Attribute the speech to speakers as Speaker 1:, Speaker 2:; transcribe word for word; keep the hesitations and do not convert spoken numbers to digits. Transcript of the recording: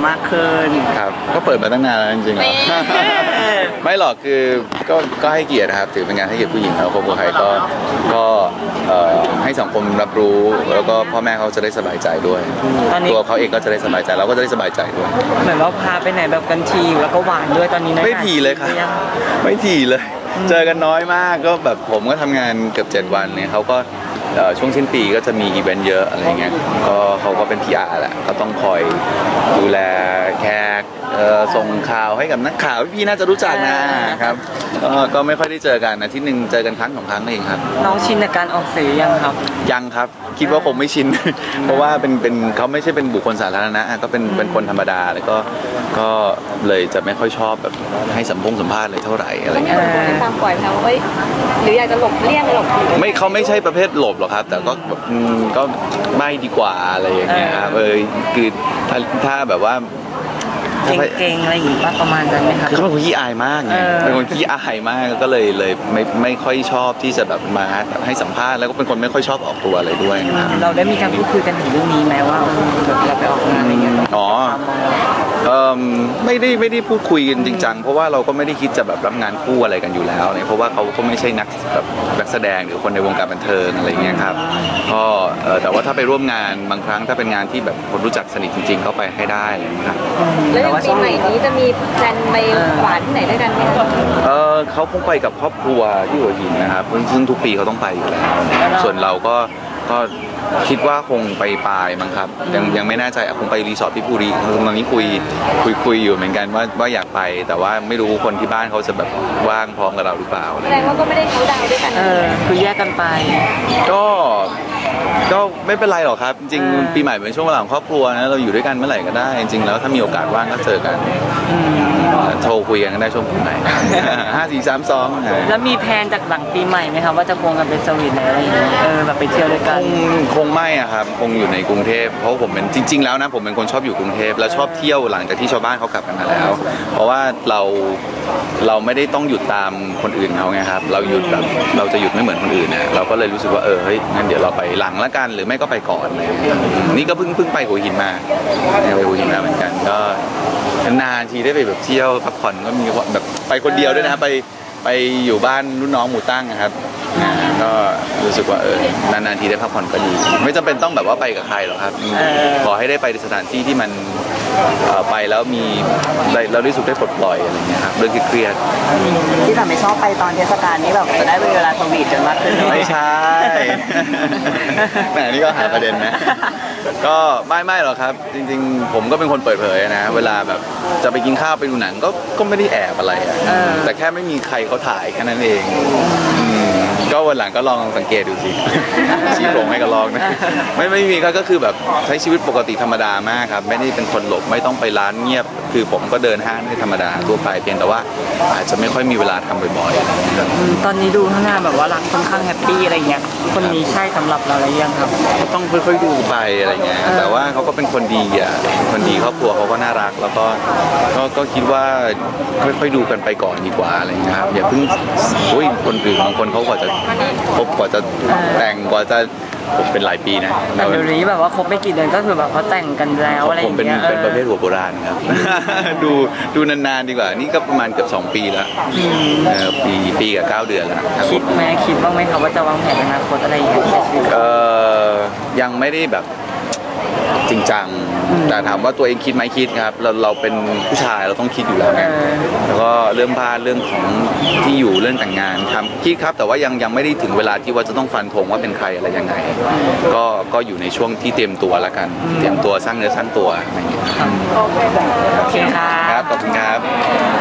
Speaker 1: มากขึ้น
Speaker 2: ครับก็เปิดมาตั้งนานแล้วจริงๆไม่หรอกคือก็ก็ให้เกียรตินะครับถือเป็นงานให้เกียรติผู้หญิงแล้วครอบครัวใครก็ก็ให้สังคมรับรู้แล้วก็พ่อแม่เขาจะได้สบายใจด้วยตัวเขาเองก็จะได้สบายใจเราก็จะได้สบายใจด้วย
Speaker 1: เหมือนว่าพาไปไหนแบบกันทีแล้วก็หวานด้วยตอนนี้
Speaker 2: ไม่ถี่เลยครับไม่ถี่เลยเจอกันน้อยมากก็แบบผมก็ทำงานเกือบเจ็ดวันเนี่ยเขาก็ช่วงสิ้นปีก็จะมีอีเวนต์เยอะอะไรเงี้ยก็เขาก็เป็น พี อาร์ แหละก็ต้องคอยดูแลแขกส่งข่าวให้กับนักข่าวพี่น่าจะรู้จักนะครับก็ไม่ค่อยได้เจอกันอาทิตย์หนึ่งเจอกันครั้งสองครั้งเองครับ
Speaker 1: น้องชินในการออกสื่อยังครับ
Speaker 2: ยังครับคิดว่าคงไม่ชินเพราะว่าเป็นเป็นเขาไม่ใช่เป็นบุคคลสาธารณะก็เป็นเป็นคนธรรมดาแล้วก็ก็เลยจะไม่ค่อยชอบแบบให้สัมพงสัมภาษณ์อะไรเท่าไหร่อะไรเงี้ย
Speaker 3: ตามปล่อยแล้วว่าหรืออยากจะหลบเลี่ยงหลบ
Speaker 2: ไม่เขาไม่ใช่ประเภทหลบหรอกครับแต่ก็แบบก็ไม่ดีกว่าอะไรอย่างเงี้ยครับเออคือถ้าถ้าแบบว่า
Speaker 1: เก่งๆอะไรอย่างงี้ป่ะประมาณนั้นไหมครับ
Speaker 2: เขาเป็นคนขี้อายมากไงเป็นคนขี้อายมากก็เลยเลยไม่ไม่ค่อยชอบที่จะแบบมาให้สัมภาษณ์แล้วก็เป็นคนไม่ค่อยชอบออกตัวอะไรด้วย
Speaker 1: เราได้มีการพูดคุยกันถึงเรื่องนี้ไหมว่าเราไปออกงานอะไรเงี้ย
Speaker 2: อ๋อเออไม่ได้ไม่ได้พูดคุยกันจริงจังเพราะว่าเราก็ไม่ได้คิดจะแบบรับงานคู่อะไรกันอยู่แล้วเนี่ยเพราะว่าเขาก็ไม่ใช่นักแบบนักแสดงหรือคนในวงการบันเทิงอะไรเงี้ยครับก็แต่ว่าถ้าไปร่วมงานบางครั้งถ้าเป็นงานที่แบบคนรู้จักสนิทจริงๆเข้าไปให้ได้ครับ
Speaker 3: แล้วปีใหม่นี้จะมีแพลนไปหวานที่ไหนด้วยกันไหมคะ
Speaker 2: เออเขาคงไปกับครอบครัวที่หัวหินนะครับซึ่งทุกปีเขาต้องไปอยู่แล้วส่วนเราก็ก็คิดว่าคงไปปลายมั้งครับยังยังไม่แน่ใจคงไปรีสอร์ทที่ภูรีตอนนี้คุยคุยคุยอยู่เหมือนกันว่าว่าอยากไปแต่ว่าไม่รู้คนที่บ้านเขาจะแบบว่างพร้อมกับเราหรือเปล่า
Speaker 3: แสดงว่าก็ไม่ได้เขาดาวด้วยกัน
Speaker 1: เออคือแยกกันไป
Speaker 2: ก็ก็ไม่เป็นไรหรอกครับจริงปีใหม่เป็นช่วงเวลาของครอบครัวนะเราอยู่ด้วยกันเมื่อไหร่ก็ได้จริงแล้วถ้ามีโอกาสว่างก็เจอกันโทรคุยกันได้ช่วงปีใหม่ห้าสี่สามสอง
Speaker 1: แล้วมีแพลนจากหลังปีใหม่ไหมครับว่าจะควงกันไปสวีทอะไรอย่างเงี้ยเออแบบไปเที่ยวด้วยกัน
Speaker 2: คงไม่อะครับคงอยู่ในกรุงเทพเพราะผมเป็นจริงๆแล้วนะผมเป็นคนชอบอยู่กรุงเทพแล้วชอบเที่ยวหลังจากที่ชาวบ้านเขากลับกันมาแล้วเพราะว่าเราเราไม่ได้ต้องหยุดตามคนอื่นเขาไงครับเราหยุดแบบเราจะหยุดไม่เหมือนคนอื่นนะเราก็เลยรู้สึกว่าเออเฮ้ยงั้นเดี๋ยวเราไปหลังละกันหรือไม่ก็ไปก่อนเลยนี่ก็เพิ่งเพิ่งไปหัวหินมาไปหัวหินมาเหมือนกันก็นานทีได้ไปแบบเที่ยวพักผ่อนก็มีแบบไปคนเดียวด้วยนะไปไปอยู่บ้านรุ่นน้องหมู่ตั้งนะครับก็รู้สึกว่าเออนานๆทีได้พักผ่อนก็ดีไม่จำเป็นต้องแบบว่าไปกับใครหรอกครับขอให้ได้ไปในสถานที่ที่มันไปแล้วมีเราได้สุขได้ปลดปล่อยอะไรเงี้ยครับเรื่องเครียด
Speaker 1: ที่ทำไม่ชอบไปตอนเทศกาลนี้แบบจะได้เวลาสวีทกันมากขึ้น
Speaker 2: ไม่ใช่แหมนี่ก็หาประเด็นนะก็ไม่ไม่หรอกครับจริงๆผมก็เป็นคนเปิดเผยนะเวลาแบบจะไปกินข้าวไปดูหนังก็ก็ไม่ได้แอบอะไรแต่แค่ไม่มีใครเขาถ่ายแค่นั้นเองก็วันหลังก็ลองสังเกตดูสิชี้โปรงให้กันลองนะไม่ไม่มีก็คือแบบใช้ชีวิตปกติธรรมดามากครับไม่ได้เป็นคนหลบไม่ต้องไปร้านเงียบคือผมก็เดินห้างได้ธรรมดาทั่วไปเพียงแต่ว่าอาจจะไม่ค่อยมีเวลาทำบ่อย
Speaker 1: ๆตอนนี้ดูข้างหน้าแบบว่ารักค่อนข้างแฮปปี้อะไรเงี้ยคนนี้ใช่สำหรับเราอะไรยังครับ
Speaker 2: ต้องค่อยๆดูไปอะไรเงี้ยแต่ว่าเขาก็เป็นคนดีอ่ะคนดีครอบครัวเขาก็น่ารักแล้วก็ก็คิดว่าค่อยๆดูกันไปก่อนดีกว่าอะไรเงี้ยครับอย่าเพิ่งอุ้ยคนอื่นบางคนเขากว่าจะคบกว่าจะแต่งกว่าจะผมเป็นหลายปีนะ
Speaker 1: แต่เดี๋ยวนี้แบบว่าคบไม่กี่เดือนก็คือแบบเขาแต่งกันแล้วอะไรอย่างเงี้ย
Speaker 2: ผมเป็นเป็นประเภทหัวโบราณครับดูดูนานๆดีกว่านี่ก็ประมาณเกือบสองปีแล้วปีปีกับเก้าเดือนแล้ว
Speaker 1: คิดไหมคิดบ้างไหมครับว่าจะวางแผนอนาคตอะไรอย่างเงี้ย
Speaker 2: เออยังไม่ได้แบบจริงจังแต่ถามว่าตัวเองคิดไหมคิดครับเราเราเป็นผู้ชายเราต้องคิดอยู่แล้วไงแล้วก็เรื่องบ้านเรื่องของที่อยู่เรื่องแต่งงานทำคิดครับแต่ว่ายังยังไม่ได้ถึงเวลาที่ว่าจะต้องฟันธงว่าเป็นใครอะไรยังไงก็ก็อยู่ในช่วงที่เตรียมตัวแล้วกันเตรียมตัวสร้างเนื้อสร้างตัวอะไรอย่างเงี้ย
Speaker 1: โอเคครับ
Speaker 2: ขอบคุณครับ